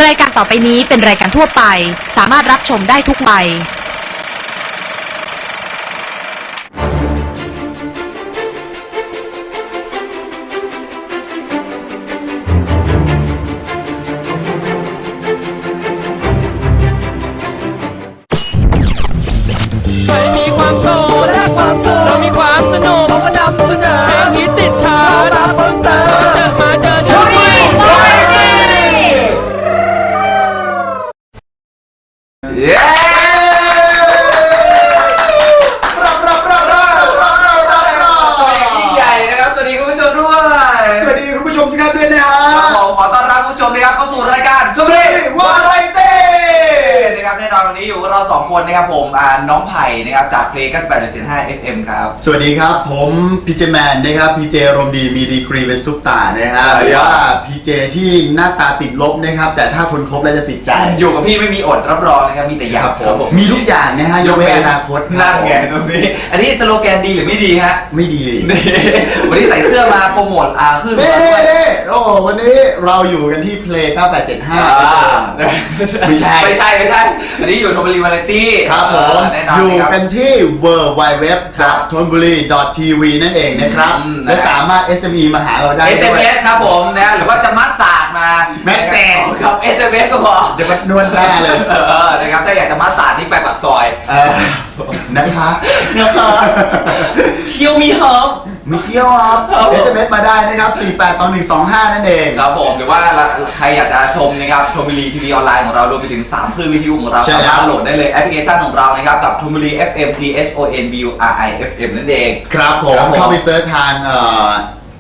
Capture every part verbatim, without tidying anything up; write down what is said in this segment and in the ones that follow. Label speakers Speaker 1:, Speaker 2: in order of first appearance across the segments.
Speaker 1: รายการต่อไปนี้เป็นรายการทั่วไปสามารถรับชมได้ทุกวัย
Speaker 2: มีความโสดและความโสดเรามีความสนุกเราก็นำเสนอเพลงฮิตติดชาร์ตมาเพิ่มเติมเจอมาเจอชาร์ต
Speaker 3: เย้รับรับรับรับรับรับรับยิ่งใหญ่นะครับสวัสดีคุณผู้ชมด้วยสวัสดีคุณผู้ชมทุกท่านด้วยนะฮะผมขอต้อนรับคุณผู้ชมนะครับเข้าสู่รายการชมรีวาไรตี้นะครับแน่นอนวันนี้อยู่กับเราสองคนนะครับผมน้องไผ่นะครับจากเพลง เก้าสิบแปดจุดเจ็ดห้า เอฟ เอ็ม ครับ
Speaker 4: สวัสดีครับผมพีเจแมนนะครับพีเจรมดีมีดีกรีเป็นซุปตาร์นะฮะหรือว่าพีเจที่หน้าตาติดลบนะครับแต่ถ้าทนครบแล้วจะติดใจ
Speaker 3: อยู่กับพี่ไม่มีอดรับรองนะครับมีแต่อยาก
Speaker 4: ครับผมมีทุกอย่างนะฮะยกเว้นอนาคต
Speaker 3: นั่นไงตรงนี้อันนี้สโลแกนดีหรือไม่ดีฮะ
Speaker 4: ไม่ดี
Speaker 3: วันนี้ใส่เสื้อมาโปรโมทอาขึ้น
Speaker 4: เน่เน่เน่โอ้วันนี้เราอยู่กันที่เพลงเก้าแปดเจ็ดห้าไม่ใช่
Speaker 3: ไม่ใช่ไม่ใช่อันนี้อยู่ธนบุรีวาไรตี้
Speaker 4: ครับผมอยู่กันที่ เวิลด์ ไวด์ เว็บ ครับธนบุรี ที วี นั่นเองนะครับและสามารถ เอส เอ็ม อี มาหาเราได้
Speaker 3: เอส เอ็ม เอส ครับผมนะหรือว่าจะมัดสาดมา
Speaker 4: แมสเซจ
Speaker 3: ครับ เอส เอ็ม เอส ก็พอ
Speaker 4: เดี๋ยวมันนวลหน้าเลย
Speaker 3: เออนะครับถ้าอยากจะมัดสาดที่ไปปากซอย
Speaker 4: นะคะ
Speaker 3: นะคะเที่ยวมีหอม
Speaker 4: มีเที่ยวครับ เอส เอ็ม เอส มาได้นะครับสี่แปดต่อหนึ่งสองห้านั่นเอง
Speaker 3: ครับผมหรือว่าใครอยากจะชมนะครับธนบุรีทีวีออนไลน์ของเรารวมไปถึงสามคลื่นวิทยุของเราสามารถโหลดได้เลยแอปพลิเคชันของเรานะครับกับธนบุรี เอฟ เอ็ม ที เอช โอ เอ็น บี ยู อาร์ ไอ เอฟ เอ็ม นั่นเอง
Speaker 4: ครับผมเข้าไปเซิร์ชทางเอ่อ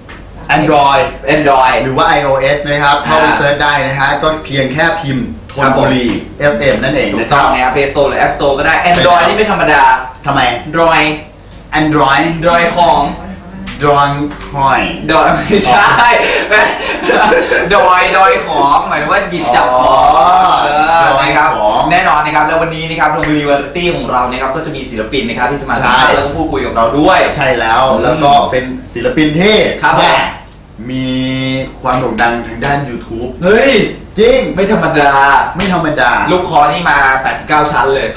Speaker 4: Android
Speaker 3: Android
Speaker 4: หรือว่า iOS นะครับเข้าไปเซิร์ชได้นะฮะก็เพียงแค่พิมพ์ธนบุรี เอฟ เอ็ม นั่นเอง
Speaker 3: ถูกต้องนะครับ Play Store หรือ App Store ก็ได้ Android นี่ไม่ธรรมดา
Speaker 4: ทำไม
Speaker 3: Android
Speaker 4: Android
Speaker 3: Android ของ
Speaker 4: ดอยคอย
Speaker 3: ดอยไม่ใช่ดอยดอยของหมายถึงว่าหยิบจับของเออนะครับแน่นอนนะครับแล้ววันนี้นะครับธนบุรีวาไรตี้ของเรานะครับก็จะมีศิลปินนะครับที่จะมาสัมภาษณ์แล้วก็พูดคุยกับเราด้วย
Speaker 4: ใช่แล้วแล้วก็เป็นศิลปินที่มีความโด่งดังทางด้าน YouTube
Speaker 3: เฮ้ย
Speaker 4: จริง
Speaker 3: ไม่ธรรมดา
Speaker 4: ไม่ธรรมดา
Speaker 3: ลูกคอนี่มาแปดสิบเก้าชั้นเลย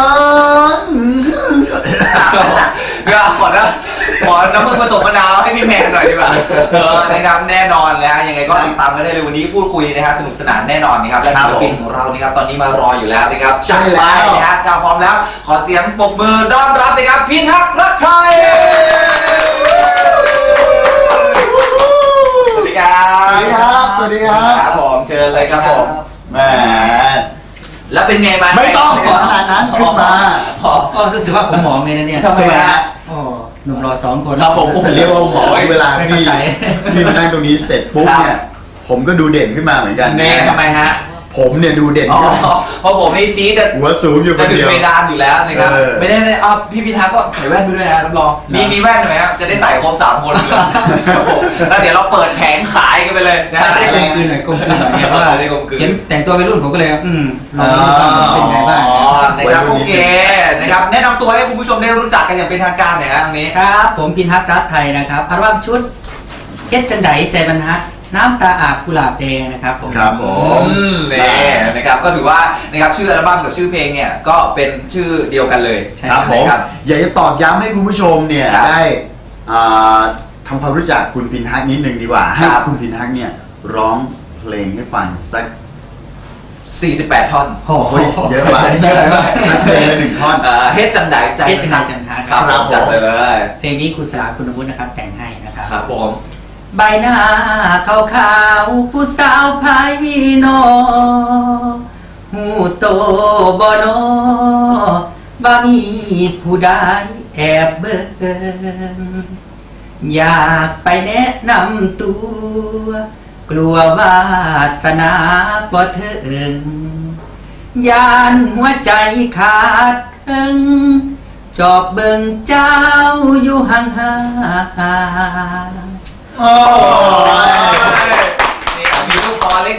Speaker 3: ก็ขอนะขอน้ำมึงผสมมะนาวให้พี่แมนหน่อยดีกว่าเออนะครับแน่นอนแล้วยังไงก็ติดตามกันได้เลยวันนี้พูดคุยนะครับสนุกสนานแน่นอนนะครับและศิลปินของเรานะครับตอนนี้มารออยู่แล้วนะครับจัดไปนะครับถ้าพร้อมแล้วขอเสียงปรบมือต้อนรับนะครับพิทักษ์รักไทยสวัสดีครับ
Speaker 4: สวัสดีครับ
Speaker 3: ครับผมเชิญเลยครับผม
Speaker 4: แหม
Speaker 3: แล้วเป็นไงบ้าง
Speaker 4: ไม่ต้องขนาดนั้นขึ้นมา
Speaker 2: ก็รู้สึกว่าผมหมองเลยนะเนี่ย
Speaker 4: ทำไมฮะ
Speaker 2: หนุ่มรอสองคน
Speaker 4: ครับผมเรียกว่าหมอเวลาพี่พี่มานั่งตรงนี้เสร็จปุ๊บเนี่ยผมก็ดูเด่นขึ้นมาเหมือนกัน
Speaker 3: แน่ทำไมฮะ
Speaker 4: ผมเนี่ยดูเด่น
Speaker 3: เพราะผมนี่ชี้จะ
Speaker 4: หัวสูงอยู่คนเดียว
Speaker 3: จะถึงเพดานอยู่แล้วนะครับไม่ได้เลยอ๋อพี่พิทักษ์ก็ใส่แว่นไปด้วยนะรับรองมีมีแว่นไหมครับจะได้ใส่ครบสามคนเลยแล้วเดี๋ยวเราเปิดแผงขายกันไปเลยนะ
Speaker 2: ได้กลมกลืนหน่อยกลมกลืนหน่อยเพราะว่าเห็นแต่งตัววัยรุ่นผมก็เลยอืมลองดูเป็นไงบ้าง
Speaker 3: นะครับโอเคนะครับแนะนำตัวให้คุณผู้ชมได้รู้จักกันอย่างเป็นทางการหน่อยครับตรงนี้
Speaker 2: ครับผมพิทักษ์รักไทยนะครับอัลบั้มชุดเฮ็ดจังไดใจบรรทัดน้ำตาอาบกุหลาบแดงนะครับผม
Speaker 4: ครับผม
Speaker 3: นี่นะครับก็ถือว่านะครับชื่ออัลบั้มกับชื่อเพลงเนี่ยก็เป็นชื่อเดียวกันเลย
Speaker 4: ครับผมอยากจะตอกย้ำให้คุณผู้ชมเนี่ยได้ทำความรู้จักคุณพิทักษ์นิดนึงดีกว่าให้คุณพิทักษ์เนี่ยร้องเพลงให้ฟังสัก
Speaker 3: สี่สิบแปดท่อน
Speaker 4: โอ้โหเยอะไปสักเพลงละหนึ่งท่อน
Speaker 3: เฮ็ดจังไดใจ
Speaker 2: เฮ็ดจังไดจังทัด
Speaker 3: ครับจัดเลย
Speaker 2: เพลงนี้ครูสลาคุณวุฒินะครับแต่งให้นะครับ
Speaker 3: ครับผม
Speaker 2: ใบหน้าขาวขาวผู้สาวไพนอหูโตบ่นอบ่มีผู้ใดแอบเบิ่งอยากไปแนะนำตัวกลัววาสนาบ่ถึงยานหัวใจขาดครึ่งจอบเบิ่งเจ้าอยู่ห่างๆ
Speaker 3: โอ้ยนี่มีลูกคอเล็กน้อยด้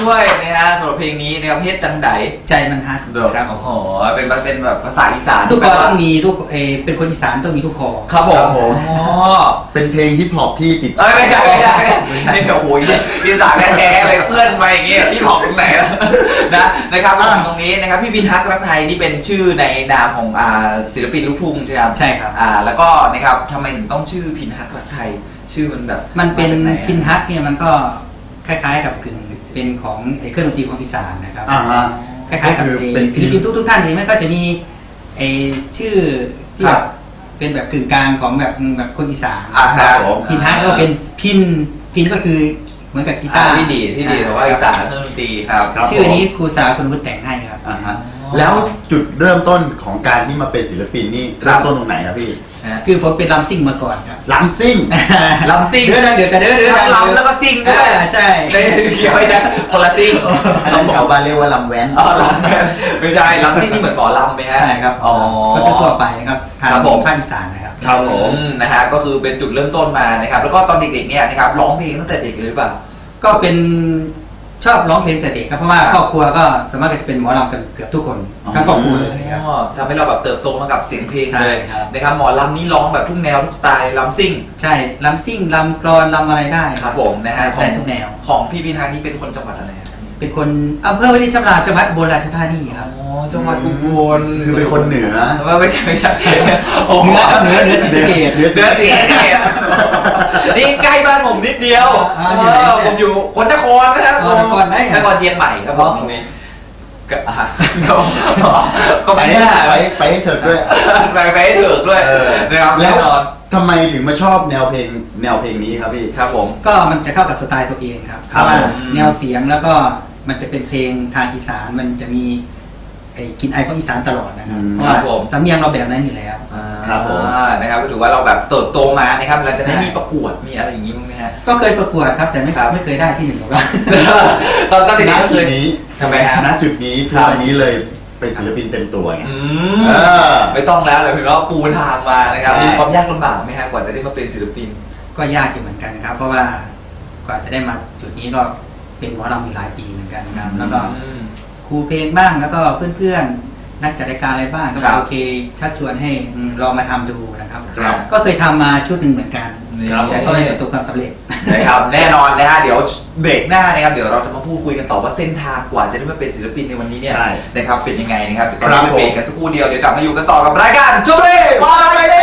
Speaker 3: ด้วยนะฮะสำหรับเพลงนี้นะครับเฮ็ดจังได
Speaker 2: ใจมันฮัก
Speaker 3: เด้อครับโอ้โหเป็นเป็นแบบภาษาอีสาน
Speaker 2: ลูกคอต้องมีลูกเออเป็นคนอีสานต้องมีลูกคอ
Speaker 3: ครับผม
Speaker 4: ครับผม
Speaker 3: อ๋อ
Speaker 4: เป็นเพลงฮิปฮอปที่ติด
Speaker 3: เอ้ยไม่ใช่ไม่ใช่ไม่ใช่นี่โอ้โหอีสานแท้ๆเลยเพื่อนมาอย่างเงี้ยที่บอกตรงไหนแล้วนะนะครับตรงนี้นะครับพี่บินฮักรักไทยนี่เป็นชื่อในนามของอ่าศิลปินลูกทุ่งใช่ไหมครับ
Speaker 2: ใช่ครับ
Speaker 3: อ่าแล้วก็นะครับทำไมถึงต้องชื่อพินฮักรักไทยชื่อมันแบบ
Speaker 2: มันเป็น
Speaker 3: าจากไหอะ
Speaker 2: พินฮักเนี่ยมันก็คล้ายๆกับกึ่งเป็นของไอ้เครื่องดนตรีของอีสานนะครับ
Speaker 4: อ่าฮะ
Speaker 2: คล้ายๆกับ
Speaker 4: ก็คือ
Speaker 2: ไอ้
Speaker 4: เป็น
Speaker 2: ศิลปินทุกๆท่านเห็นไหมก็จะมีไอ้ชื่อที่
Speaker 3: ค
Speaker 2: แบ
Speaker 3: รับบ
Speaker 2: เป็นแบบกึ่งกลางของแบบแบบคนอีสาน
Speaker 3: อ่าครับ
Speaker 2: พินฮักก็เป็นพินพินก็คือเหมือนกับกีตา
Speaker 3: อ่า
Speaker 2: ร์
Speaker 3: ที่ดีที่ดีแต่ว่าอีสานเครื่องดนตรีครับ
Speaker 4: ครับ
Speaker 2: ชื่อนี้ครูสาคุณวุฒิแต่งให้ครับ
Speaker 4: อ่าฮะแล้วจุดเริ่มต้นของการที่มาเป็นศิลปินนี่
Speaker 3: ครับ
Speaker 4: เริ่มต้นตรงไหนครับพี่
Speaker 3: นะ
Speaker 2: คือผมเป็นลำซิ่งมาก่อนครับ
Speaker 4: ลำซิ่ง
Speaker 3: ลำซิ่ง
Speaker 2: เดี๋ยวนะเดี๋ยวแต่เดี๋ยวเดี๋ยว
Speaker 3: ทั้งลำแล้วก็ซิ่งด้วย
Speaker 2: อ่าใช่
Speaker 3: ไม่เกี่ยวไม่ใช่คนละซิ่ง
Speaker 4: อันนั้นชาวบ้านเรียกว่าลำแว้น
Speaker 3: อ๋อลำไม่ใช่ลำซิ่งนี่เหมือนหมอลำไหมฮะ
Speaker 2: ใช่ครับ
Speaker 3: อ๋อ
Speaker 2: ก็ทั่วๆไปนะครับทาง
Speaker 3: ครับผม
Speaker 2: ภาคอีสานนะครับ
Speaker 4: ครับผม
Speaker 3: อืนะฮะก็คือเป็นจุดเริ่มต้นมานะครับแล้วก็ตอนเด็กๆเนี่ยนะครับร้องเพลงตั้งแต่เด็กเลยหรือเปล่า
Speaker 2: ก็เป็นชอบร้องเพลงแต่เด็กครับเพราะว่า
Speaker 3: ครับ
Speaker 2: ครอบครัวก็สามารถจะเป็นหมอลำกันเกือบทุกคน
Speaker 4: อ๋อ
Speaker 2: ทั้งครอบครัวเลยครับ
Speaker 3: อ๋อทำให้เราแบบเติบโตมากับเสียงเพลง
Speaker 2: ใช่
Speaker 3: เลย
Speaker 2: ครับ
Speaker 3: นะครับหมอลำนี่ร้องแบบทุกแนวทุกสไตล์ลำซิ่ง
Speaker 2: ใช่ลำซิ่งลำกรอนลำอะไรได้
Speaker 3: ครับผมนะฮะขอ
Speaker 2: ได้
Speaker 3: ง
Speaker 2: ทุกแนว
Speaker 3: ของพี่พินฮักนี่เป็นคนจังหวัดอะไรครับ
Speaker 2: เป็นคนอำเภอวารินชำราบจังหวัดอุบลราชธานีครับ
Speaker 3: อ๋อจังหวัดอุบล
Speaker 4: คือเป็นคนเหนือ
Speaker 3: ว่าไม่ใช่ไม่ใช่โอ้โห
Speaker 2: เหนือครับเหนือเหนือศรีสะเกษ
Speaker 4: เหนือ
Speaker 3: เสือเสียเนี่ยนี่ใกล้บ้านผมนิดเดียว
Speaker 2: อ่าอยู่ไหนเนี่ย
Speaker 3: ผมอยู่คนนครนะครับ
Speaker 2: อ๋อนครไหนอ่ะ
Speaker 3: นครเชียงใหม่ครับผมตรงนี้ก็อ่ะก็ก็
Speaker 4: ไป
Speaker 3: ไม่ใช่
Speaker 4: ไปไปให้เถิดด้วย
Speaker 3: ไปไปให้ถึกด้วย
Speaker 4: เออ
Speaker 3: นะครับ
Speaker 4: แล้
Speaker 3: แน่
Speaker 4: วน
Speaker 3: อน
Speaker 4: ทำไมถึงมาชอบแนวเพลงแนวเพลงนี้ครับพี่
Speaker 3: ครับผม
Speaker 2: ก็มันจะเข้ากับสไตล์ตัวเองครับเพ
Speaker 4: ครับ
Speaker 2: ราะว่า
Speaker 4: ผม
Speaker 2: แนวเสียงแล้วก็มันจะเป็นเพลงทางอีสานมันจะมีไอ้กลินไอของอีสานตลอดนะครับ
Speaker 4: อืม
Speaker 2: เพราะว่าสำเนียงเราแบบนั้นอยู่แล้ว
Speaker 4: ครับผม
Speaker 3: อ่านะครับก็ถือว่าเราแบบเติบโตมานะครับเราจะได้
Speaker 2: ใช่
Speaker 3: มีประกวดมีอะไรอย่างนี้บ้างไหมฮะ
Speaker 2: ก็เคยประกวดครับแต่ไม่
Speaker 3: ครับ
Speaker 2: ไม่เคยได้ที่หนึ่งหรอกครับ
Speaker 3: ตอนตอนเด็ก
Speaker 4: ณ
Speaker 3: ๆก็
Speaker 4: จุ
Speaker 3: เค
Speaker 4: ด
Speaker 3: ย
Speaker 4: นี้
Speaker 3: ทำไมฮะ
Speaker 4: ณจุดนี้ทุก
Speaker 3: ครับ
Speaker 4: วันนี้เลยเป็นศิลปินเต็มตัวไง
Speaker 3: อื
Speaker 4: เอ
Speaker 3: ม
Speaker 4: อ
Speaker 3: ไม่ต้องแล้วเลยเพียงว่าปูทางมานะครับ
Speaker 4: ใช่
Speaker 3: มีความยากลำบากไหมฮะกว่าจะได้มาเป็นศิลปิน
Speaker 2: ก็ยากอยู่เหมือนกันครับ เพราะว่ากว่าจะได้มาจุดนี้ก็เป็นหมอลำอยู่หลายปีเหมือนกันครับแล้วก็
Speaker 3: อืม
Speaker 2: ครูเพลงบ้างแล้วก็เพื่อนๆนักจัดรายการอะไรบ้างก็
Speaker 3: ครับ
Speaker 2: โอเคชักชวนให้อืมลองมาทำดูนะครับ
Speaker 3: ครับ
Speaker 2: ก็เคยทำมาชุดหนึ่งเหมือนกัน
Speaker 4: ครับ
Speaker 2: แต่ก็ไม่ประสบความสำเร็จ
Speaker 3: นะครับแน่นอนนะฮะเดี๋ยวเบรกหน้านะครับเดี๋ยวเราจะมาพูดคุยกันต่อว่าเส้นทางกว่าจะได้มาเป็นศิลปินในวันนี้เนี่ย
Speaker 4: ใช่
Speaker 3: นะครับเป็นยังไงนะครับเดี๋ยวตอน
Speaker 4: ครั
Speaker 3: นี้
Speaker 4: บ
Speaker 3: ไปเบรกกันสักครู่เดียวเดี๋ยวกลับมาอยู่กันต่อกับรายการจุ๊บเบ้วาไรเด้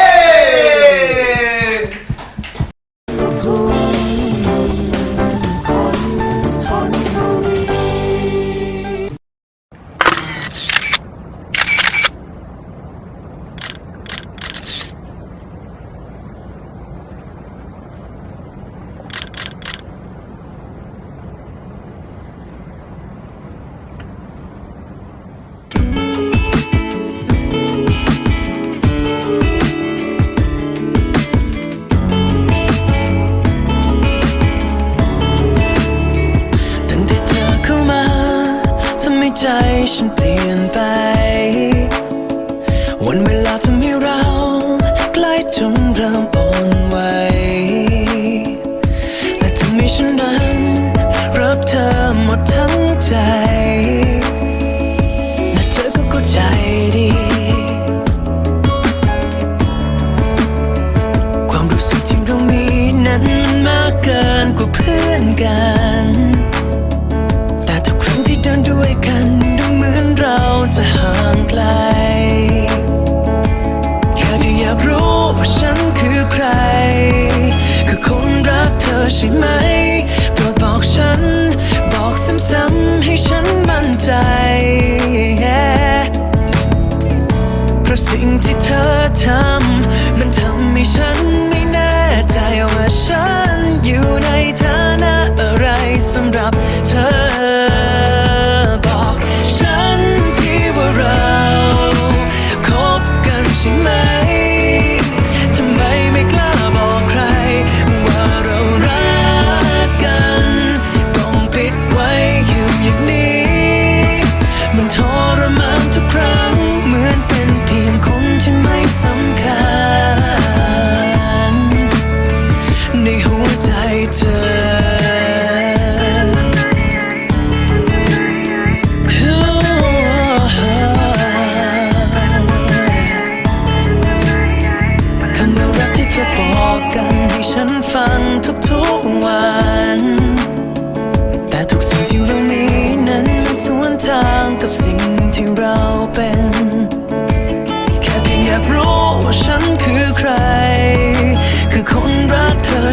Speaker 5: ตั้งแต่เธอเข้ามาทำให้ใจฉันเปลี่ยนไป วันเวลาทำให้เราใกล้จนเริ่มอ่อนไหวและทำให้ฉันนั้นรักเธอหมดทั้งใจ และเธอก็เข้าใจดี ความรู้สึกที่เรามีนั้นมันมากเกินกว่าเพื่อนกัน แต่ทุกครั้งที่เดินด้วยกันดูเหมือนเราจะห่างไกล แค่เพียงอยากรู้ว่าฉันคือใคร คือคนรักเธอใช่ไหมโปรดบอกฉัน บอกซ้ำๆให้ฉันมั่นใจ เพราะสิ่งที่เธอทำมันทำให้ฉันไม่แน่ใจว่าฉันอยู่ในฐานะอะไรสำหรับเธอ บอกฉันที่ว่าเราคบกันใช่ไหม ทำไมไม่กล้าบอกใครว่าเรารักกัน ต้องปิดไว้อยู่อย่างนี้ มันทรมานทุกครั้งเหมือนเป็นเพียงคนที่ไม่สำคัญในหัวใจเธอ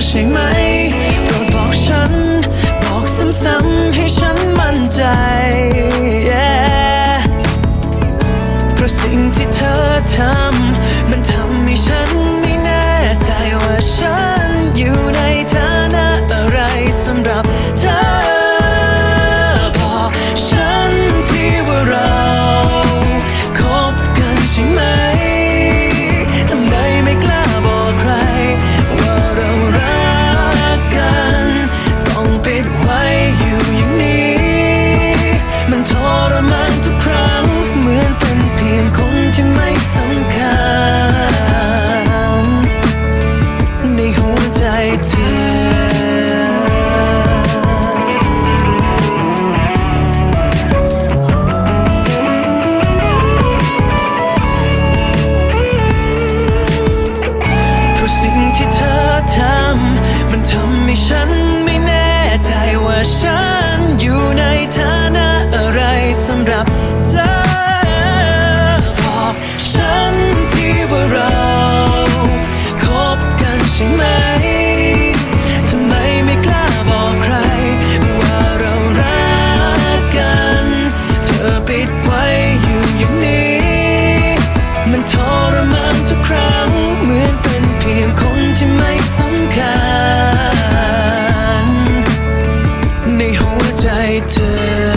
Speaker 5: ใช่ไหมโปรดบอกฉันบอกซ้ำๆให้ฉันมั่นใจ yeah เพราะสิ่งที่เธอทำมันทำให้ฉันไม่แน่ใจว่าฉันอยู่ในฐานะอะไรสำหรับเธอบอกฉันที่ว่าเราคบกันใช่ไหมทำไมไม่กล้าบอกใครว่าเรารักกันต้องปิดไว้อยู่อย่างนี้มันทรมานทุกครั้งเหมือนเป็นเพียงคนที่ไม่สำคัญในหัวใจเธอสิ่งที่เธอทำมันทำให้ฉันไม่แน่ใจว่าฉันอยู่ในฐานะอะไรสำหรับเธอบอกฉันที่ว่าเราคบกันใช่ไหมทำไมไม่กล้าบอกใครว่าเรารักกันเธอปิดไว้อยู่อย่างนี้มันทรมานทุกครั้งเหมือนเป็นเพียงคนที่ไม่สำคัญในหัวใจเธอ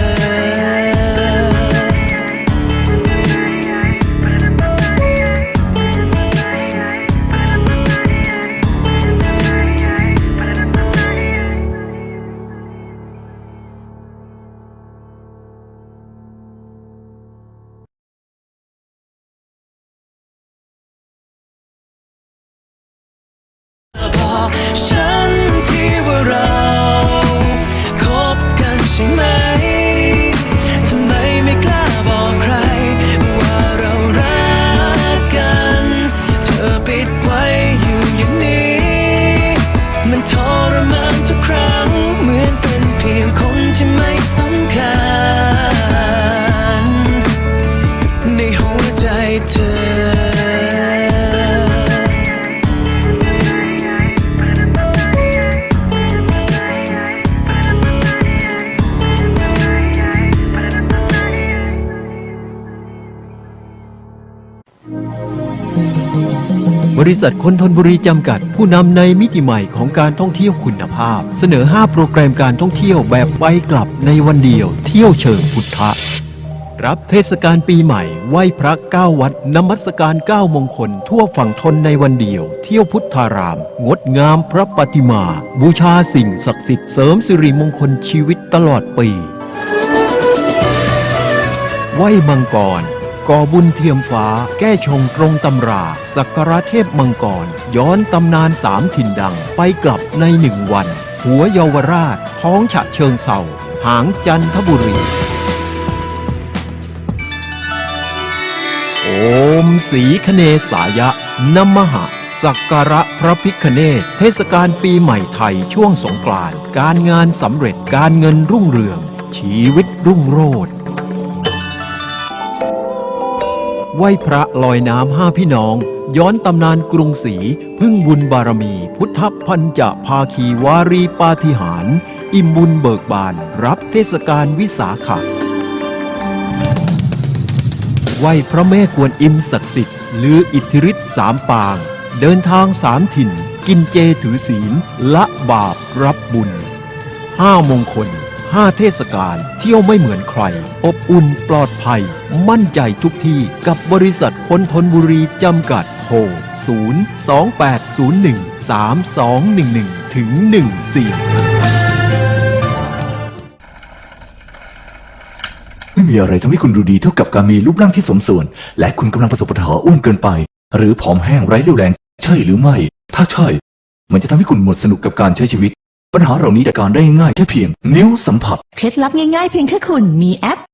Speaker 5: บอกฉันที่ว่าเราคบกันใช่ไหมทำไมไม่กล้าบอกใครว่าเรารักกันเธอปิดไว้อยู่อย่างนี้มันทรมานทุกครั้งเหมือนเป็นเพียงคนที่ไม่สำคัญในหัวใจเธอ
Speaker 6: บริษัทคนธนบุรีจำกัดผู้นำในมิติใหม่ของการท่องเที่ยวคุณภาพเสนอห้าโปรแกรมการท่องเที่ยวแบบไปกลับในวันเดียวเที่ยวเชิงพุทธะรับเทศกาลปีใหม่ไหว้พระเก้าวัดนมัสการเก้ามงคลทั่วฝั่งทนในวันเดียวเที่ยวพุทธารามงดงามพระปฏิมาบูชาสิ่งศักดิ์สิทธิ์เสริมสิริมงคลชีวิตตลอดปีไหว้มังกรก่อบุญเทียมฟ้าแก้ชงตรงตำราสักการะเทพมังกรย้อนตำนานสามถิ่นดังไปกลับในหนึ่งวันหัวเยาวราชท้องฉะเชิงเทราหางจันทบุรีโอมสีคเนสายะนมหะสักการะพระพิฆเนศเทศกาลปีใหม่ไทยช่วงสงกรานต์การงานสำเร็จการเงินรุ่งเรืองชีวิตรุ่งโรจน์ไหว้พระลอยน้ำห้าพี่น้องย้อนตำนานกรุงศรีพึ่งบุญบารมีพุทธพันจะภาคีวารีปาฏิหาริย์อิ่มบุญเบิกบานรับเทศกาลวิสาขะไหว้พระแม่กวนอิมศักดิ์สิทธิ์ลืออิทธิฤทธิ์สามปางเดินทางสามถิ่นกินเจถือศีลละบาปรับบุญห้ามงคลห้าเทศกาลเที่ยวไม่เหมือนใครอบอุ่นปลอดภัยมั่นใจทุกที่กับบริษัทคนธนบุรีจำกัดโทร ศูนย์ สอง แปด ศูนย์ หนึ่ง สาม สอง หนึ่ง หนึ่ง ถึง หนึ่ง สี่
Speaker 7: ไม่มีอะไรทำให้คุณดูดีเท่ากับการมีรูปร่างที่สมส่วน และคุณกำลังประสบปัญหาอ้วนเกินไป หรือผอมแห้งไร้เรี่ยวแรงใช่หรือไม่ ถ้าใช่มันจะทำให้คุณหมดสนุกกับการใช้ชีวิตปัญหาเหล่านี้จัดการได้ง่ายแค่เพียงนิ้วสัมผัส
Speaker 8: เคล็ดลับง่ายๆเพียงแค่คุณมีแอป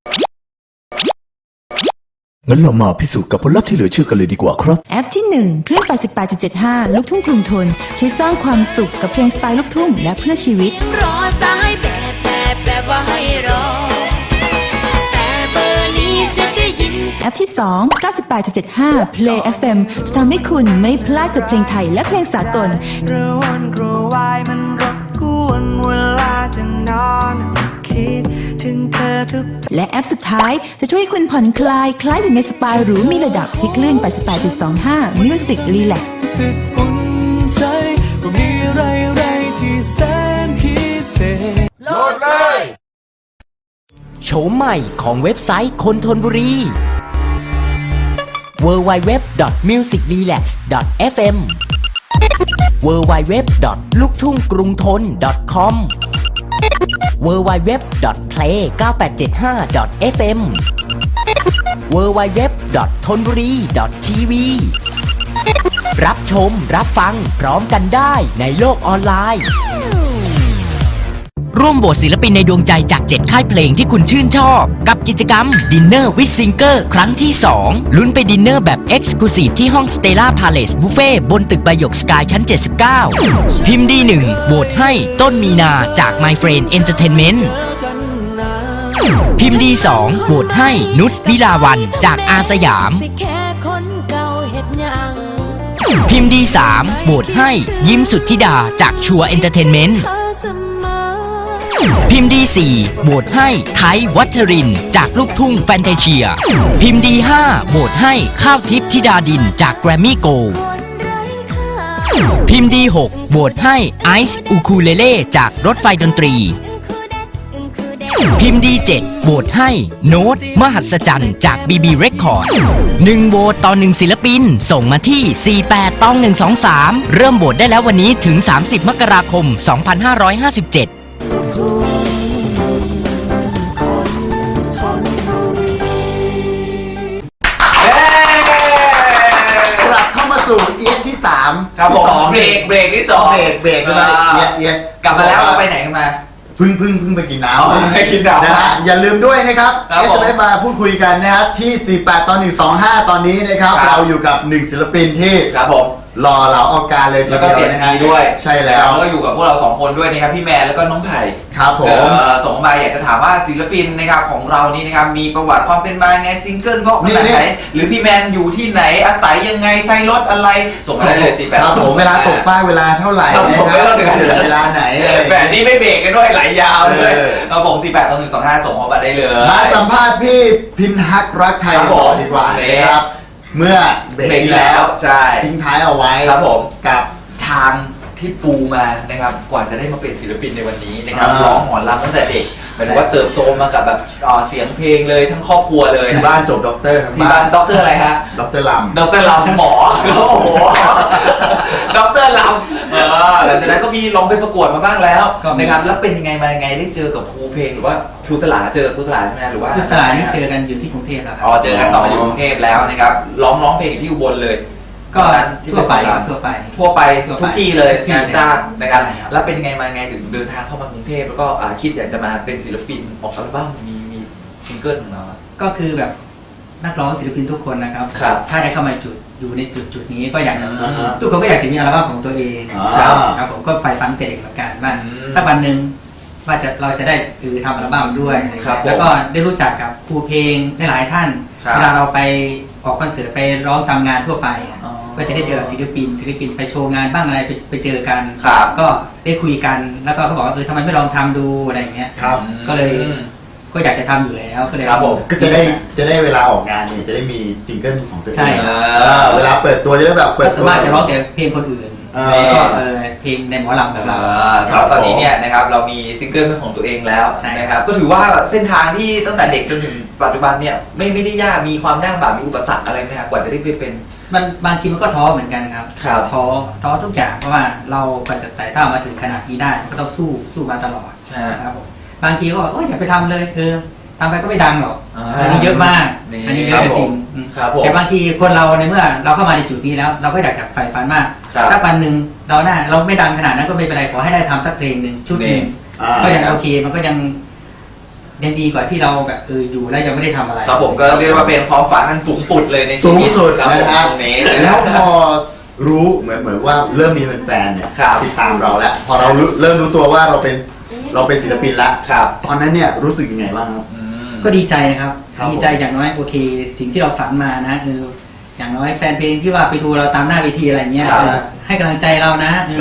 Speaker 7: งั้นเรามาพิสูจน์กับผลลัพธ์ที่เหลือเชื่อกันเลยดีกว่าครับ
Speaker 8: แอปที่หนึ่งเครื่อง แปดสิบแปดจุดเจ็ดห้า ลูกทุ่งกรุงทนช่วยสร้างความสุขกับเพลงสไตล์ลูกทุ่งและเพื่อชีวิต
Speaker 9: รอสายแบบแบบแบบว่าให้รอแต่เบอร์นี้จะได้ยิน
Speaker 8: แอปที่สอง เก้าสิบแปดจุดเจ็ดห้า Play เอฟ เอ็ม จะทำให้คุณไม่พลาดกับเพลงไทยและเพลงสากล
Speaker 5: กระวนกระววายมันรบกวนเวลาจะนอนคิดถึงเธอทุก
Speaker 8: และแอปสุดท้ายจะช่วยให้คุณผ่อนคลายคล้ายอยู่ในสปาหรูมีระดับที่คลื่น แปดสิบแปดจุดสองห้า Music Relax
Speaker 5: รู้สึกอุ่นใจว่ามีอะไรอะไรที่แสนพิเศษ
Speaker 4: โหลดเลย
Speaker 10: โฉมใหม่ของเว็บไซต์คนทนบุรี ดับเบิลยู ดับเบิลยู ดับเบิลยู ดอท มิวสิกรีแลกซ์ ดอท เอฟ เอ็ม ดับเบิลยู ดับเบิลยู ดับเบิลยู ดอท ลูกทุ่งกรุงทน ดอท คอม ดับเบิลยู ดับเบิลยู ดับเบิลยู ดอท เพลย์ เก้าแปดเจ็ดห้า ดอท เอฟ เอ็ม ดับเบิลยู ดับเบิลยู ดับเบิลยู ดอท ทนบุรี ดอท ที วี รับชมรับฟังพร้อมกันได้ในโลกออนไลน์ ร่วมโหวตศิลปินในดวงใจจากเจ็ดค่ายเพลงที่คุณชื่นชอบกับกิจกรรม Dinner with Singer ครั้งที่ สอง ลุ้นไปดินเนอร์แบบ Exclusive ที่ห้อง Stella Palace Buffet บนตึกใบหยกสกายชั้น เจ็ดสิบเก้า พิมพ์ดีหนึ่งโหวตให้ต้นมีนาจาก My Friend Entertainment พิมพ์ดีสองโหวตให้นุชวิลาวันจากอาสยาม
Speaker 9: สิแค่คนเก่าเฮ็ดหยัง
Speaker 10: พิมพ์ดีสามโหวตให้ยิ้มสุทธิดาจากชัวร์เอนเตอร์เทนเมนต์
Speaker 9: เธอเสมอ
Speaker 10: พิมพ์ดีสี่โหวตให้ไทยวัชรินทร์จากลูกทุ่งแฟนตาเชีย พิมพ์ดีห้าโหวตให้ข้าวทิพย์ธิดาดินจากแกรมมี่โกลด์ พิมพ์ดีหกโหวตให้ไอซ์อูคูเลเล่จากรถไฟดนตรี พิมพ์ดีเจ็ดโหวตให้โน้ตมหัศจรรย์จาก บี บี Record หนึ่งโหวตต่อหนึ่งศิลปินส่งมาที่ สี่แปด ตอง หนึ่งสองสาม เริ่มโหวตได้แล้ววันนี้ถึง สามสิบ มกราคม สองพันห้าร้อยห้าสิบเจ็ด
Speaker 4: กลับเข้ามาสู่เอียดที่สาม
Speaker 3: ครับผ
Speaker 4: ที่
Speaker 3: ม
Speaker 4: สอง
Speaker 3: เบรกเบรกที่สอง
Speaker 4: เบรกเบรกใช่ไหมเอียดเอียด
Speaker 3: กลับมาแล้วเราไปไหนกันมา
Speaker 4: เพึ่งเพึ่งเพึ่งไปกินน้
Speaker 3: อ๋อไปกินน้ำ
Speaker 4: นะฮะอย่าลืมด้วยนะครับ
Speaker 3: ครับ
Speaker 4: เอ
Speaker 3: ผม
Speaker 4: ส เอ็ม เอส มาพูดคุยกันนะฮะที่ สี่แปด ตอน หนึ่งสองห้า ตอนนี้นะครับ
Speaker 3: ครับ
Speaker 4: เราอยู่กับหนึ่งศิลปินที่
Speaker 3: ครับผม
Speaker 4: รอเราเอาการเลยที
Speaker 3: แล้วก็
Speaker 4: เดียว
Speaker 3: เสียง
Speaker 4: นะ
Speaker 3: ดี
Speaker 4: ฮะ
Speaker 3: ด้วย
Speaker 4: ใช่แล้ว
Speaker 3: แล้วก็อยู่กับพวกเราสองคนด้วยนะครับพี่แมนแล้วก็น้องไผ่
Speaker 4: ครับผม
Speaker 3: เอ่อส่งมาอยากจะถามว่าศิลปินนะครับของเรานี่นะครับมีประวัติความเป็นมาไงซิงเกิลเพราะขนาดไหนหรือพี่แมนอยู่ที่ไหนอาศัยยังไงใช้รถอะไรส่งมาได้เลยสิแปด
Speaker 4: ครับผมเวลาตกป้ายเวลาเท่าไหร่
Speaker 3: ครับ
Speaker 4: นะ
Speaker 3: ผม
Speaker 4: ค
Speaker 3: ไม่
Speaker 4: รั
Speaker 3: ต้องเดือด
Speaker 4: เกิดเวลาไหนอะไรอย่าง
Speaker 3: แบ
Speaker 4: เงี้
Speaker 3: บ
Speaker 4: ย
Speaker 3: นี้ไม่เบรกกันด้วยไหลยาวเลย
Speaker 4: เออ
Speaker 3: ครับผมสี่แปดต่อหนึ่งสองห้าส่งมาได้เลย
Speaker 4: มาสัมภาษณ์พี่พินฮักรักไทย
Speaker 3: ครับผม
Speaker 4: ก่อนดีกว่านะครับเมื่อเบรก
Speaker 3: เบรก
Speaker 4: ที่
Speaker 3: ที่
Speaker 4: แล้
Speaker 3: แล้ว วใช่
Speaker 4: ทิ้งท้ายเอาไว้
Speaker 3: ครับผม
Speaker 4: กับ
Speaker 3: ทางที่ปูมานะครับกว่าจะได้มาเป็นศิลปินในวันนี้นะครับ
Speaker 4: อ่า
Speaker 3: ร้องหมอลำตั้งแต่เด็กหมายถึงว่าเติบโตมากับแบบเอ่อเสียงเพลงเลยทั้งครอบครัวเลย
Speaker 4: ที่บ้านจบด็อกเตอร์ทั้ง
Speaker 3: ที่บ้านด็อกเตอร์อะไรฮะ
Speaker 4: ด็อกเตอร์ลำ
Speaker 3: ด็อกเตอร์ลำหมอโอ้โหด็อกเตอร์ลำเออหลังจากนั้นก็มีลองไปประกวดมาบ้างแล้วนะครับแล้วเป็นยังไงมายังไงได้เจอกับครูเพลงหรือว่าครูสลาเจอครูสลาใช่ไหมหรือว่า
Speaker 2: คือสลายนี่เจอกันอยู่ที่กรุงเทพแล้วครั
Speaker 3: อ๋อเจอกันต่ออยู่กรุงเทพแล้วนะครับร้องร้องเพลงอยู่ที่อุบลเลย
Speaker 2: ก็ทั่วไปครับทั่วไป
Speaker 3: ทั่วไป
Speaker 2: ทั่วไป
Speaker 3: ทุกที่เลย
Speaker 2: ทุกที่
Speaker 3: งานจ้างนะครับ
Speaker 2: ใช่ครับ
Speaker 3: แล้วเป็นไงมาไงถึงเดินทางเข้ามากรุงเทพแล้วก็อ่าคิดอยากจะมาเป็นศิลปินออกอัลบั้มมีมีซิงเกิลของเรา
Speaker 2: ก็คือแบบนักร้องศิลปินทุกคนนะครับ
Speaker 3: ครับ
Speaker 2: ถ้าได้เข้ามาจุดอยู่ในจุดจุดนี้ก็อยากจะ
Speaker 4: อ่าฮะ
Speaker 2: ทุกคนก็อยากจะมีอัลบั้มของตัวเอง
Speaker 4: อ่า
Speaker 2: ครับครับผมก็ใฝ่ฝันแต่เด็กเหมือนกันว่า
Speaker 3: อืม
Speaker 2: สักวันหนึ่งว่าจะเราจะได้คือทำอัลบั้มด้วยอะไรอย่าง
Speaker 3: ครั
Speaker 2: เงี้
Speaker 3: บ
Speaker 2: ยแล้วก็ได้รู้จักกับครูเพลงหลายๆท่าน
Speaker 3: ครับ
Speaker 2: เวลาเราไปออกคอนเสิร์ตไปร้องตามงานทั่วไปอะ
Speaker 3: อ๋อ
Speaker 2: ก็จะได้เจอศิลปินศิลปินไปโชว์งานบ้างอะไรไปไปเจอกัน
Speaker 3: ครับ
Speaker 2: ก็ได้คุยกันแล้วก็เขาบอกว่าเออทำไมไม่ลองทำดูอะไรอย่างเงี้ย
Speaker 4: ครับ
Speaker 2: ก็เลย ก็อยากจะทำอยู่แล้วก็เลย
Speaker 3: ครับผม
Speaker 4: ก็จะได้จะได้เวลาออกงานเนี่ยจะได้มีจิงเกิลของตัวเอง
Speaker 2: ใช่
Speaker 3: เอ
Speaker 4: เออ
Speaker 3: อ
Speaker 4: เวลาเปิดตัวจะได้แบบเปิ
Speaker 2: ก็
Speaker 4: ด
Speaker 2: สา
Speaker 4: ตัว
Speaker 2: มารถจะร้องแต่เพลงคนอื่น
Speaker 4: เออ
Speaker 2: แล้วก็เออเพลงในหมอลำแบบเรา
Speaker 3: ครับตอนนี้เนี่ยนะครับเรามีซิงเกิลเป็นของตัวเองแล้ว
Speaker 2: ใช่
Speaker 3: นะครับก็ถือว่าเส้นทางที่ตั้งแต่เด็กจนถึงปัจจุบันเนี่ยไม่ไม่ได้ยากมีความยากลำบากมีอุปสรรคอะไรไหมครับกว่าจะได้ไปเป็น
Speaker 2: มันบางทีมันก็ท้อเหมือนกันครับ
Speaker 3: ครับ
Speaker 2: ท้อท้อทุกอย่างเพราะว่าเรากว่าจะไต่เต้ามาถึงขนาดนี้ได้ก็ต้องสู้สู้มาตลอด
Speaker 3: ฮะ
Speaker 2: นะครับผมบางทีก็บอกโอ้ยอย่าไปทำเลยเออทำไปก็ไม่ดังหรอก
Speaker 3: อ่า
Speaker 2: อันนี้เยอะมาก
Speaker 3: นี่
Speaker 2: อันนี้เยอะจริงๆอืม
Speaker 3: ครับผม
Speaker 2: แต่บางทีคนเราในเมื่อเราเข้ามาในจุดนี้แล้ว เราก็อยากจะใฝ่ฝันมาก
Speaker 3: ครับ
Speaker 2: สักวันหนึ่งเราได้เราไม่ดังขนาดนั้นก็ไม่เป็นไรขอให้ได้ทำสักเพลงหนึ่งชุดหนึ่ง
Speaker 4: อ่า
Speaker 2: ก็ยังโอเคมันก็ยังยังดีกว่าที่เราแบบเอออยู่แล้วยังไม่ได้ทำอะไร
Speaker 3: ครับผมก็เรียกว่าเป็นความฝันอันสูงสุดเลยในชี
Speaker 4: สูง
Speaker 3: วิต
Speaker 4: สุด
Speaker 3: ครับผม
Speaker 4: นะครับ
Speaker 3: ตรงนี้
Speaker 4: แล้วพอรู้เหมือนเหมือนว่าเริ่มมีแฟนๆเนี่ย
Speaker 3: ครับ
Speaker 4: ที่ตามเราแล้วพอเรารู้เริ่มรู้ตัวว่าเราเป็นเราเป็นศิลปินแล้ว
Speaker 3: ครับ
Speaker 4: ตอนนั้นเนี่ยรู้สึกยังไงบ้างครับ
Speaker 3: อืม
Speaker 2: ก็ดีใจนะครับ
Speaker 4: ครับ
Speaker 2: ดีใจอย่างน้อยโอเค สิ่งที่เราฝันมานะคืออย่างน้อยแฟนเพลงที่ว่าไปดูเราตามหน้าเวทีอะไรเงี้ย
Speaker 3: ครับ
Speaker 2: เออให้กำลังใจเรานะเออ
Speaker 3: ครับ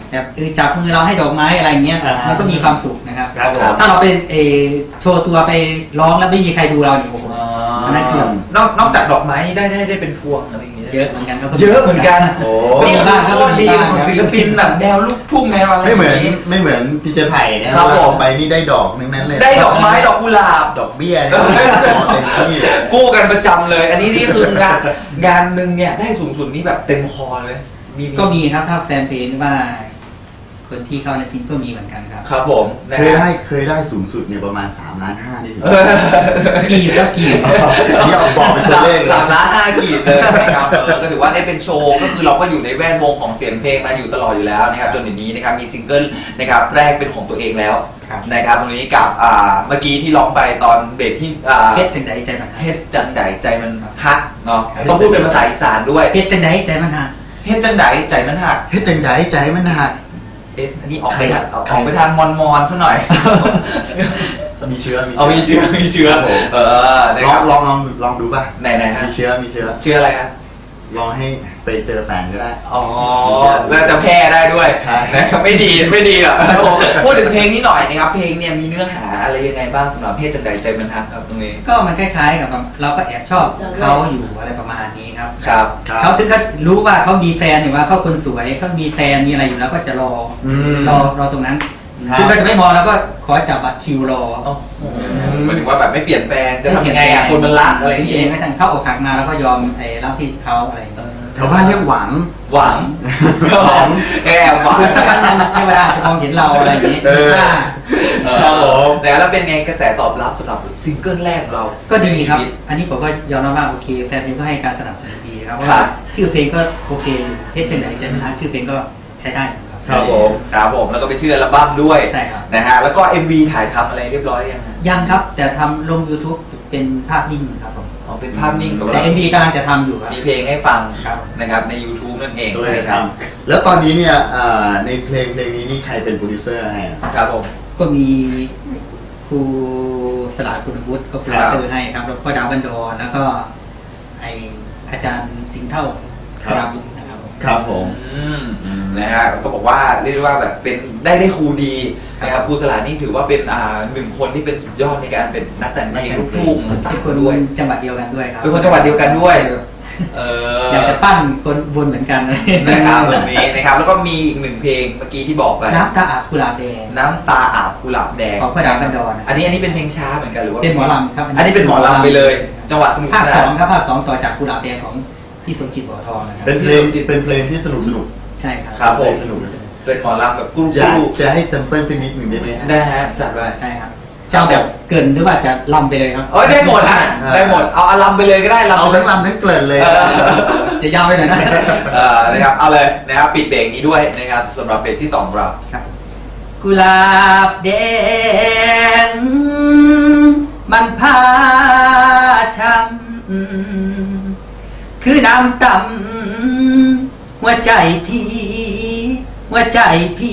Speaker 2: แบบเออจับมือเราให้ดอกไม้อะไรเงี้ย
Speaker 4: อ่าฮะ
Speaker 2: มันก็มีความสุขนะครับ
Speaker 4: ครับผม
Speaker 2: ถ้าเราไปเออโชว์ตัวไปร้องแล้วไม่มีใครดูเราเนี่ยโอ้โหอันนั้นคือน
Speaker 3: อกนอกจากดอกไม้ได้ได้ได้เป็นพวงอะไรอย่างเงี้ย
Speaker 2: เยอะเหมือนกันครับ
Speaker 3: เยอะเหมือนกัน
Speaker 4: โอ้
Speaker 3: นี่คือข้อดีของศิลปินแบบแนวลูกทุ่งแนวอะไร
Speaker 4: ไม่เหมือน
Speaker 3: ย่างงี้
Speaker 4: ไม่เหมือนพี่เจไผ่เนี่ย
Speaker 3: ครับผม
Speaker 4: ไปนี่ได้ดอกทั้งนั้นเลย
Speaker 3: ได้ดอกไม้ดอกกุหลาบ
Speaker 4: ดอกเบี้ยเนี่ยขอเต็มที่เลย
Speaker 3: กู้กันประจำเลย อันนี้นี่คืองานงานหนึ่งเนี่ยได้สูงสุดนี่แบบเต็มคอเลยมี
Speaker 2: ก็มีครับถ้าแฟนเพลงหรือว่า คนที่เข้าในจริงก็มีเหมือนกันครับ
Speaker 3: ครับผมนะ
Speaker 4: เคย
Speaker 3: ฮะ
Speaker 4: ได้เคยได้สูงสุดเนี่ยประมาณสามล้านห้านี่ถึง
Speaker 3: เออ
Speaker 2: กีบครับกีบ
Speaker 4: นี่เอาบอกเป็นตัว
Speaker 3: สาม
Speaker 4: เลขเลย
Speaker 3: สามล้านห้ากีบเลยนะครับเออก็ถือว่าได้เป็นโชว์ก็คือเราก็อยู่ในแวดวงของเสียงเพลงมาอยู่ตลอดอยู่แล้วนะครับจนเดี๋ยวนี้นะครับมีซิงเกิลนะครับแรกเป็นของตัวเองแล้ว
Speaker 2: ครับ
Speaker 3: นะครับตรงนี้กับอ่าเมื่อกี้ที่ร้องไปตอนเบรกที่อ่า
Speaker 2: เพชรจังไดใจมันฮัก
Speaker 3: เฮ็ดจังไดใจมันฮักเนาะต้องพูดเป็นภาษาอีสานด้วย
Speaker 2: เพชรจังไดใจมันฮัก
Speaker 3: เฮ็ดจังไดใจมันฮัก
Speaker 4: เฮ็ดจังไดใจมันหัก
Speaker 3: เอ๊ะอันนี้ออกไป
Speaker 4: ใคร
Speaker 3: ทางออก
Speaker 4: ใคร
Speaker 3: ออกไปทางมอนมอนๆซะหน่อย
Speaker 4: มีเชื้อ
Speaker 3: เอามีเชื้อมีเชื้อ
Speaker 4: ครับผม
Speaker 3: เออนะ
Speaker 4: ล
Speaker 3: ค
Speaker 4: อ
Speaker 3: รั
Speaker 4: ง
Speaker 3: บ
Speaker 4: ลองลองลองดูป่ะ
Speaker 3: ไหนไหนๆฮะ
Speaker 4: มีเชื้อมีเชื้อ
Speaker 3: เชื้ออะไรครับ
Speaker 4: ลองให้ไปเจอแฟนก็ได้
Speaker 3: อ๋อแล้วจะแพ้ได้ด้วย
Speaker 4: ใช่
Speaker 3: นะครับไม่ดีไม่ดีหรอกพูดถึงเพลงนี้หน่อยนะครับเพลงเนี่ยมีเนื้อหาอะไรยังไงบ้างสำหรับเพศจังใดใจมันฮักครับตรงนี้
Speaker 2: ก็มันคล้ายๆกับแบบเราก็แอบชอบเขาอยู่อะไรประมาณนี้ครับ
Speaker 3: ครับ
Speaker 4: ครับ
Speaker 2: เขาถึงเขารู้ว่าเขามีแฟนหรือว่าเขาคนสวยเขามีแฟนมีอะไรอยู่แล้วก็จะรออ
Speaker 4: ม
Speaker 2: รอรอตรงนั้น
Speaker 4: ครับ
Speaker 2: คือก็จะไม่มองแล้วก็ขอจับบัตรคิวรอ
Speaker 3: หมายถึงว่าแบบไม่เปลี่ยนแปลงจะทำยังไงอ่ะคนมันรักอะไรอย่าง
Speaker 2: เอ
Speaker 3: เงี้
Speaker 2: ง
Speaker 3: ย
Speaker 2: ก็ทั้งเข้าอกหักมาแล้วก็ยอมไอ้รับที่เขาอะไรอย่างเงี้ย
Speaker 4: แถวบ้านเรียกหวัง
Speaker 3: หวัง
Speaker 4: หวัง
Speaker 3: แอบหวัง
Speaker 2: คือสักวันหนึงเทวดาจะมองเห็นเราอะไรอย่างงี้
Speaker 4: เออ
Speaker 2: ถ้า
Speaker 4: ครับผม
Speaker 3: แล้วเป็นไงกระแสตอบรับสำหรับซิงเกิลแรกของเรา
Speaker 2: ก็ดีครับ อันนี้ผมก็ยอมรับว่าโอเคแฟนเพลงก็ให้การสนับสนุนดีครับเพราะ
Speaker 3: ครั
Speaker 2: ว่า
Speaker 3: บ
Speaker 2: ชื่อเพลงก็โอเคอยู่เทศจังไหนใจมันฮักชื่อเพลงก็ใช้ได้อยู่ครับ
Speaker 4: ครับผม
Speaker 3: ครับผมแล้วก็ไปชื่ออัลบั้มด้วย
Speaker 2: ใช่ครับ
Speaker 3: นะฮะแล้วก็ เอ็ม วี ถ่ายทำอะไรเรียบร้อยยังฮะ
Speaker 2: ยังครับแต่ทำลง YouTube เป็นภาพนิ่งครับผม
Speaker 3: อ๋อเป็นภาพนิ่ง
Speaker 2: แต่ เอ็ม วี กำลังจะทำอยู่ครับ
Speaker 3: มีเพลงให้ฟัง
Speaker 2: ครับ
Speaker 3: นะครับใน YouTube นั่นเอง
Speaker 4: ด้วย
Speaker 3: นะ
Speaker 4: ค
Speaker 3: ค
Speaker 4: รั
Speaker 3: รั
Speaker 4: บบ แล้วตอนนี้เนี่ยอ่าในเพลงเพลงนี้นี่ใครเป็นโปรดิวเซอร์ให้อะ
Speaker 3: ครับผม
Speaker 2: ก็มีครูสลาคุณวุฒิก็โปรดิวเซอร์ให้ครับแล้วก็ดาวบันดอนแล้วก็ไออาจารย์สิงห์เท่าสราวุฒินะครับผม
Speaker 4: ครับผม
Speaker 3: อืมนะฮะก็บอกว่าเรียกได้ว่าแบบเป็นได้ได้ครูดีนะครับครูสลานี่ถือว่าเป็นอ่าหนึ่งคนที่เป็นสุดยอดในการเป็นนักแต่งเพลงลูกทุ่งต่า
Speaker 2: เป็
Speaker 3: ง
Speaker 2: นคน
Speaker 3: ๆด้วย
Speaker 2: จังหวัดเดียวกันด้วยครับ
Speaker 3: เป็นคนจังหวัดเดียวกันด้วย เออ
Speaker 2: อยากจะปั้นคนบนเหมือนกัน
Speaker 3: นะครับแบบนี้นะครับแล้วก็มีอีกหนึ่งเพลงเมื่อกี้ที่บอกไป
Speaker 2: น้ำตาอาบกุหลาบแดง
Speaker 3: น้ำตาอาบกุหลาบแดง
Speaker 2: ของพ่อดาวบันดอน
Speaker 3: อันนี้อันนี้เป็นเพลงช้าเหมือนกันหรือว่า
Speaker 2: เป็นหมอลำครับ
Speaker 3: อันนี้เป็นหมอลำไปเลย จังหวัดสมุทร
Speaker 2: ภาค
Speaker 3: ปร
Speaker 2: ส
Speaker 3: ก
Speaker 2: องครับภาคสองต่อจากกุหลาบแดงของพี่สมจิตบัวทองนะครับ
Speaker 4: เป็นเพลงเป็นเพลงที่สนุกสนุก
Speaker 2: ใช่ครับ
Speaker 3: ครับผม
Speaker 4: สนุก
Speaker 3: เป็นหมอลำแบบกรุ๊ป
Speaker 4: จะ
Speaker 3: กรุ๊ป
Speaker 4: จะให้แซมเปิลสักนิดหนึ่งได้ไหมฮะ
Speaker 3: นะฮะจัดไป
Speaker 2: ได้ครับเจ้าแบบเกินหรือว่าจะลำไปเลยครับ
Speaker 3: โอ้ยได้หมดฮะได้หมดเอาอาลำไปเลยก็ได้ลำ
Speaker 4: เอาทั้งลำทั้งเกลิ่นเลย
Speaker 3: เออ
Speaker 2: จะยาวไปหน่อยนะ
Speaker 3: เออนะครับเอาเลยนะครับปิดเบรกนี้ด้วยนะครับสำหรับเบรกที่สองของเรา
Speaker 2: ครับกุหลาบแดงมันพาช้ำคือน้ำต่ำหัวใจพี่หัวใจพี่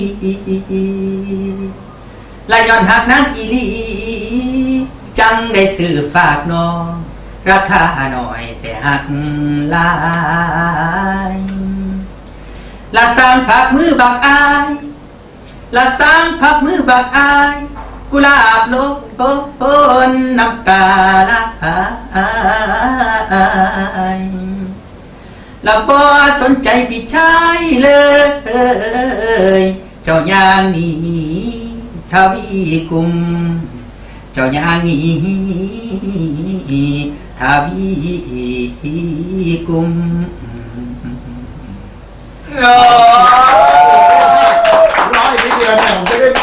Speaker 2: และย้อนหักนั้นอีหลีจังได้ซื้อฝากน้องราคาหน่อยแต่หักหลายละสร้างผักมือบักอายละสร้างผักมือบักอายกุหลาบโลกโพนน้ำตาละละบ่สนใจพี่ชายเลยเจ้าอย่างนี้ทวีกุมเจ้าอย่างนี้ทวีกุม
Speaker 4: ร้อยนิดเดียวเนี่ยผมจะขึ้น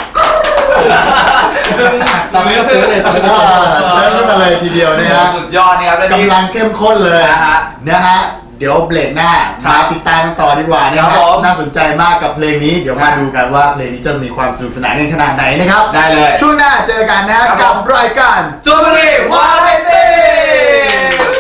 Speaker 3: ตอนนี้ก็ซื้อเลยตอนนี้ก็
Speaker 4: อ่า
Speaker 3: ซื้อ
Speaker 4: เซิร์ฟขึ้นมาเลยทีเดียวนะฮะ
Speaker 3: สุดยอดนะครับและนี่
Speaker 4: กำลังเข้มข้นเลย
Speaker 3: นะฮะ
Speaker 4: นะฮะเดี๋ยวเบรกหน้า
Speaker 3: ครับ
Speaker 4: มาติดตามกันต่อดีกว่านะค
Speaker 3: ครั
Speaker 4: รั
Speaker 3: บบ ผม
Speaker 4: น่าสนใจมากกับเพลงนี้เดี๋ยวมาดูกันว่าเพลงนี้จะมีความสนุกสนานกันขนาดไหนนะครับ
Speaker 3: ได้เลย
Speaker 4: ช่วงหน้าเจอกันนะฮะ
Speaker 3: ครับ
Speaker 4: กับรายการ
Speaker 3: จูบรีวาไรตี้